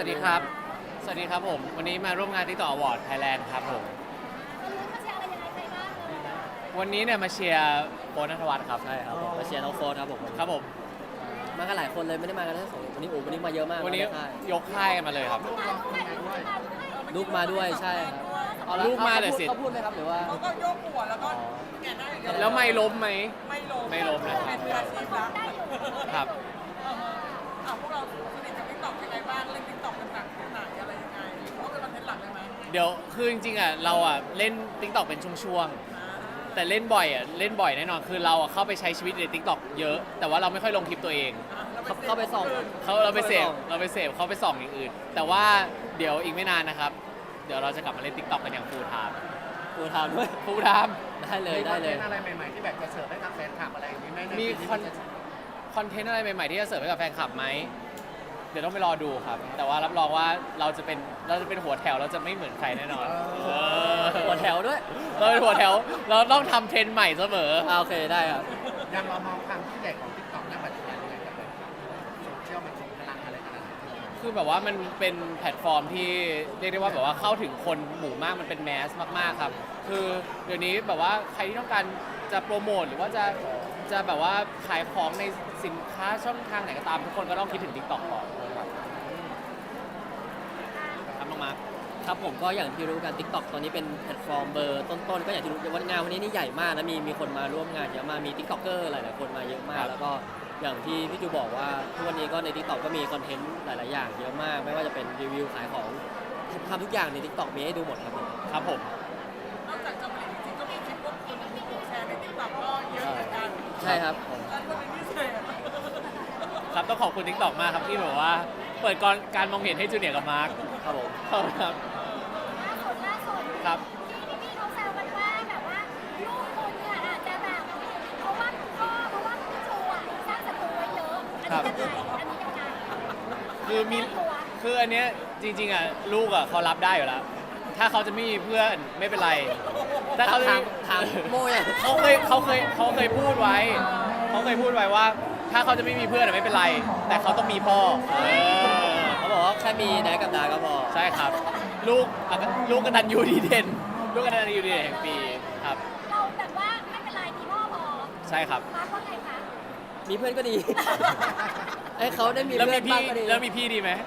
วัสดีครับ สวัสดีครับผม วันนี้มาร่วมงาน TikTok Award Thailand ครับผม วันนี้เนี่ยมาเชียร์โฟนณัฐวัฒน์ครับใช่ครับผมมาเชียร์น้องโฟนครับผมครับผมมากันหลายคนเลยไม่ได้มากันแค่สองวันนี้มาเยอะมากวันนี้ค่ายยกค่ายกันมาเลยครับลูกมาด้วยใช่ครับเอาละลูกมาเลยสิเขาพูดไหมครับหรือว่าเขาก็โยกหัวแล้วก็แกะหน้าอย่างเดียวแล้วไม่ล้มไหมไม่ลงนะเป็นมืออาชีพแล้วครับพวกเราสนิทกับติ๊กต็อกยังไงบ้างเล่นติ๊กต็อกเป็นหนักเป็นหนักอะไรยังไงหรือว่าเป็นคอนเทนต์หลักเลยไหมเดี๋ยวคือจริงๆอ่ะเราอ่ะเล่น TikTok เป็นช่วงๆ แต่เล่นบ่อยแน่นอน คือเราอ่ะเข้าไปใช้ชีวิตใน TikTok เยอะ แต่ว่าเราไม่ค่อยลงคลิปตัวเองเข้าไปส่องเราไปเสพเขาไปส่องอย่างอื่น แต่ว่าเดี๋ยวอีกไม่นานนะครับ เดี๋ยวเราจะกลับมาเล่น TikTok กันอย่างฟูลไทม์กูทำด้วยฟูลไทม์ได้เลยได้เลยอะไรใหม่ๆที่แบบจะเสิร์ฟให้กับแฟนคลับอะไรอย่างนี้ไหมในมีปีนี้คอนเทนต์อะไรใหม่ๆที่จะเสิร์ฟให้กับแฟนคลับไหม เดี๋ยวต้องไปรอดูครับ แต่ว่ารับรองว่าเราจะเป็นหัวแถวเราจะไม่เหมือนใครแน่นอนหัวแถวด้วยเราเป็นหัวแถว เราต้องทำเทรนด์ใหม่เสมอโอเคได้ครับยังเรามองความที่ใหญ่ของทิกตอกณปัจจุบันยังไงกับแฟนคลับโซเชียลมันส่งพลังอะไรขนาดไหนคือแบบว่ามันเป็นแพลตฟอร์มที่เรียกได้ว่าแบบว่าเข้าถึงคนหมู่มากมันเป็นแมสมากๆครับ คือเดี๋ยวนี้แบบว่าใครที่ต้องการจะโปรโมทหรือว่าจะแบบว่าขายของในสินค้าช่องทางไหนก็ตามทุกคนก็ต้องคิดถึง TikTok ก่อนครับครับน้องมาร์คครับผมก็อย่างที่รู้กัน TikTok ตอนนี้เป็นแพลตฟอร์มเบอร์ต้นๆก็อย่างที่รู้ว่างานวันนี้นี่ใหญ่มากนะมีคนมาร่วมงานเยอะมากมี TikToker หลายๆคนมาเยอะมาก แล้วก็อย่างที่พี่จูบอกว่าทุกวันนี้ก็ใน TikTok ก็มีคอนเทนต์หลายๆอย่างเยอะมาก ไม่ว่าจะเป็นรีวิวขายของทำทุกอย่างใน TikTok มีให้ดูหมดครับผมครับผมนอกจากจะผลิตจริงๆก็มีคลิปพวกคนที่แชร์ในติ๊กต็อกก็เยอะเหมือนกันใช่ครับอันเป็นพิเศษครับต้องขอบคุณ TikTok มากครับที่แบบว่า เปิดการมองเห็นให้จูเนียร์กับมาร์คครับผมขอบคุณครับล่าสุดครับที่พี่เขาแซวกันว่าแบบว่าลูกคุณเนี่ยอาจจะแบบเพราะว่าพี่ชูอ่ะสร้างศัตรูไว้เยอะอันนี้ยังไงคือมีคืออันเนี้ยจริงๆอ่ะลูกอ่ะเขารับได้อยู่แล้ว ถ้าเขาจะไม่มีเพื่อนไม่เป็นไร ถ้าเขาจะทางโมยอ่ะเขาเคยพูดไว้ว่า ถ้าเขาจะไม่มีเพื่อนอะไม่เป็นไร แต่เขาต้องมีพ่อเขาบอกว่าแค่มีแดกกับดาก็พอใช่ครับ ลูกกตัญญูดีเด่นลูกกตัญญูดีเด่นแห่งปีครับเราแบบว่าไม่เป็นไรมีพ่อพอใช่ครับมาร์คว่าไงคะมีเพื่อนก็ดี ให้เขาได้มีแล้วเพื่มีอนพี่บ้างก็ดีแล้วมีพี่ดีไหม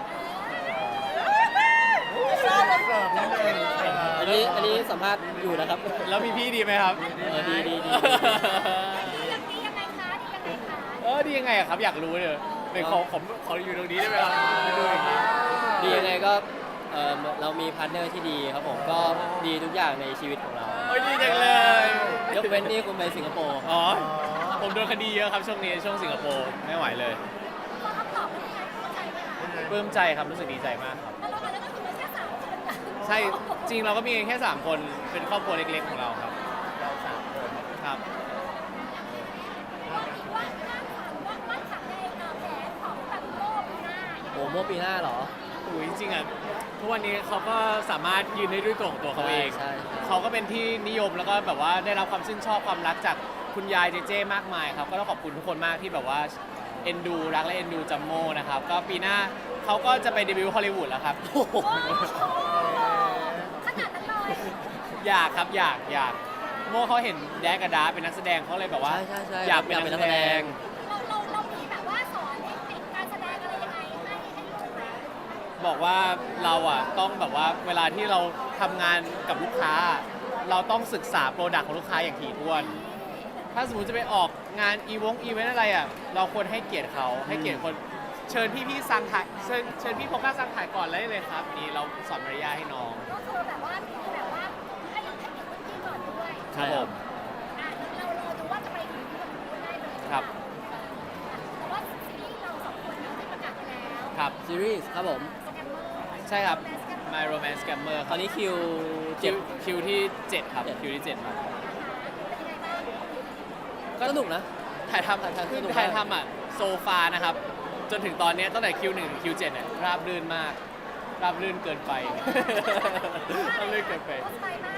เสิร์ฟนิดนึงอันนี้สัมภาษณ์อยู่นะครับแล้วมีพี่ดีไหมครับดีดียังไงคะดียังไงอะครับอยากรู้เลยเป็นขออยู่ตรงนี้ได้ไหมครับดูอีกทีดียังไงก็เรามีพาร์ทเนอร์ที่ดีครับผมก็ดีทุกอย่างในชีวิตของเราโอ้ยดีจังเลยยกเว้นนี่คุณไปสิงคโปร์อ๋อผมโดนคดีเยอะครับช่วงนี้ช่วงสิงคโปร์ไม่ไหวเลยพอคำตอบเป็นยังไงเข้าใจไหมคะปลื้มใจครับรู้สึกดีใจมากครับแล้วเราก็คือแค่3 คนนะใช่จริงเราก็มีแค่3คนเป็นครอบครัวเล็กๆของเราครับเราสามคนครับว่าขังในแผนของแบบโลกปีหน้าโอ้โมปีหน้าเหรออุ้ยจริงๆอ่ะทุกวันนี้เขาก็สามารถยืนได้ด้วยตัวของตัวเขาเองใช่เขาก็เป็นที่นิยมแล้วก็แบบว่าได้รับความชื่นชอบความรักจากคุณยายเจเจมากมายครับก็ต้องขอบคุณทุกคนมากที่แบบว่าเอ็นดูรักและเอ็นดูจัมโม่นะครับก็ปีหน้าเขาก็จะไปเดบิวต์ฮอลลีวูดแล้วครับโอ้โหขนาดนั้นเลยอยากครับอยากโม่เขาเห็นแดกกับดาเป็นนักแสดงเขาเลยแบบว่าใช่อยากเป็นนักแสดงเรามีแบบว่าสอนเทคนิคการแสดงอะไรยังไงให้ลูกไหมบอกว่าเราอ่ะต้องแบบว่าเวลาที่เราทำงานกับลูกค้า เราต้องศึกษาโปรดักต์ของลูกค้าอย่างถี่ถ้วน ถ้าสมมติจะไปออกงานอีเวนต์อะไรอ่ะเราควรให้เกียรติเขาให้เกียรติคนเชิญพี่ซังถ่ายเชิญพี่โฟกัสซังถ่ายก่อนเลยครับนี่เราสอนมารยาทให้น้องก็คือแบบว่าให้เกียรติคนที่ก่อนด้วยครับผมเราดูว่าจะไปถึงที่คนได้เลยครับแต่ว่าซีรีส์เรา2 คนที่ประกาศไปแล้วครับซีรีส์ครับผมสแกมเมอร์ใช่ครับ My Romance Scammer ตอนนี้คิวคิวที่ 7 ครับคิวที่ 7 ครับเป็นยังไงบ้างก็สนุกนะถ่ายทำคือถ่ายทำอ่ะโซฟานะครับ จนถึงตอนนี้ตั้งแต่คิว1ถึงคิว7เนี่ยราบรื่นมาก ราบรื่นเกินไป ราบรื่นเกินไปสบายมากเลย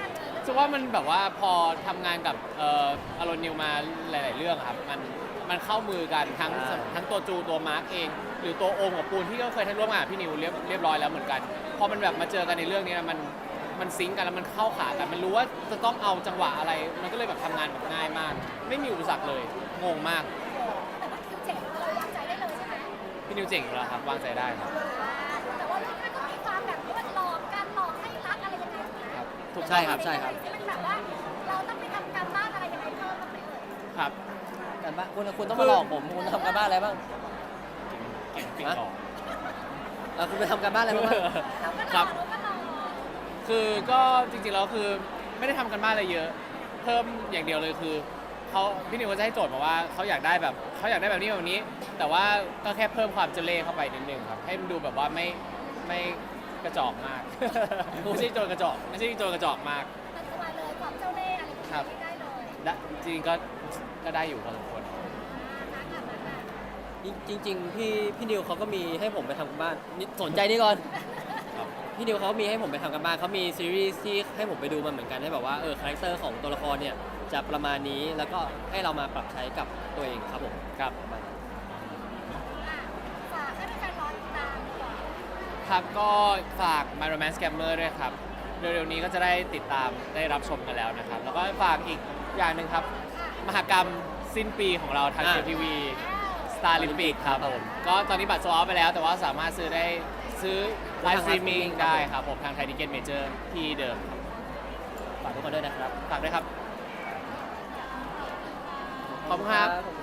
สึกว่ามันแบบว่าพอทำงานกับอารอนนิวมาหลาย ๆ เรื่องครับมันเข้ามือกันทั้งตัวจูตัวมาร์กเอง หรือตัวโอมกับปูนที่ก็เคยทำร่วมงานกับพี่นิวเรียบร้อยแล้วเหมือนกันพอมันแบบมาเจอกันในเรื่องนี้มันซิงก์กันแล้วมันเข้าขากัน มันรู้ว่าจะต้องเอาจังหวะอะไร มันก็เลยแบบทำงานแบบง่ายมาก ไม่มีอุปสรรคเลยงงมากแต่ว่าคิวเจ๋งเราวางใจได้เลยใช่ไหมพี่นิวเจ๋งอยู่แล้วครับวางใจได้ครับแต่ว่าเรื่องนั้นก็มีความแบบว่าหลอกกันหลอกให้รักอะไรยังไงนะถูกใช่ครับใช่ครับมันแบบว่าเราต้องไปทำการบ้านอะไรยังไงเพิ่มบ้างไหมเอ่ยครับกันบ้างคุณต้องมาหลอกผมคุณทำการบ้านอะไรบ้างเก่งปิงหลอกคุณไปทำการบ้านอะไรบ้างเราก็ครรัอบ เราก็รอคือก็จริงๆแล้วคือไม่ได้ทำกันบ้านอะไรเยอะ เพิ่มอย่างเดียวเลยคือพี่นิวก็จะให้โจทย์มาว่าเขาอยากได้แบบนี้แบบนี้ แต่ว่าก็แค่เพิ่มความเจเล่เข้าไปนิดนึงครับให้มันดูแบบว่าไม่กระจอกมาก ไม่ใช่โจรกระจอกมากมันสบายเลยความเจ้าเล่ห์อะไรอย่างครับนี้ได้เลยจริงๆก็ได้อยู่พอสมควรจริงๆพี่นิวเขาก็มีให้ผมไปทำกันบ้านนี่สนใจนี่ก่อนครับพี่นิวเขามีให้ผมไปทำกันบ้านเขามีซีรีส์ที่ให้ผมไปดูมาเหมือนกันให้แบบว่าคาแรคเตอร์ของตัวละครเนี่ยจะประมาณนี้แล้วก็ให้เรามาปรับใช้กับตัวเองครับผมครับประมาณนั้นฝากให้แฟนๆรอติดตามดีกว่าครับก็ฝาก My Romance Scammer ด้วยครับ เร็วๆนี้ก็จะได้ติดตามได้รับชมกันแล้วนะครับ แล้วก็ฝากอีกอย่างหนึ่งครับ มหกรรมสิ้นปีของเราทางเทีวี Star Olympic ครับผม ก็ตอนนี้บัตรโซลเอาท์ไปแล้ว แต่ว่าสามารถซื้อไลฟ์สตรีมมิ่งได้ครับผม ทางไทยทิเก็ตเมเจอร์ที่เดิมครับฝากทุกคนด้วยนะครับฝากด้วยครับ ขอบคุณครับผม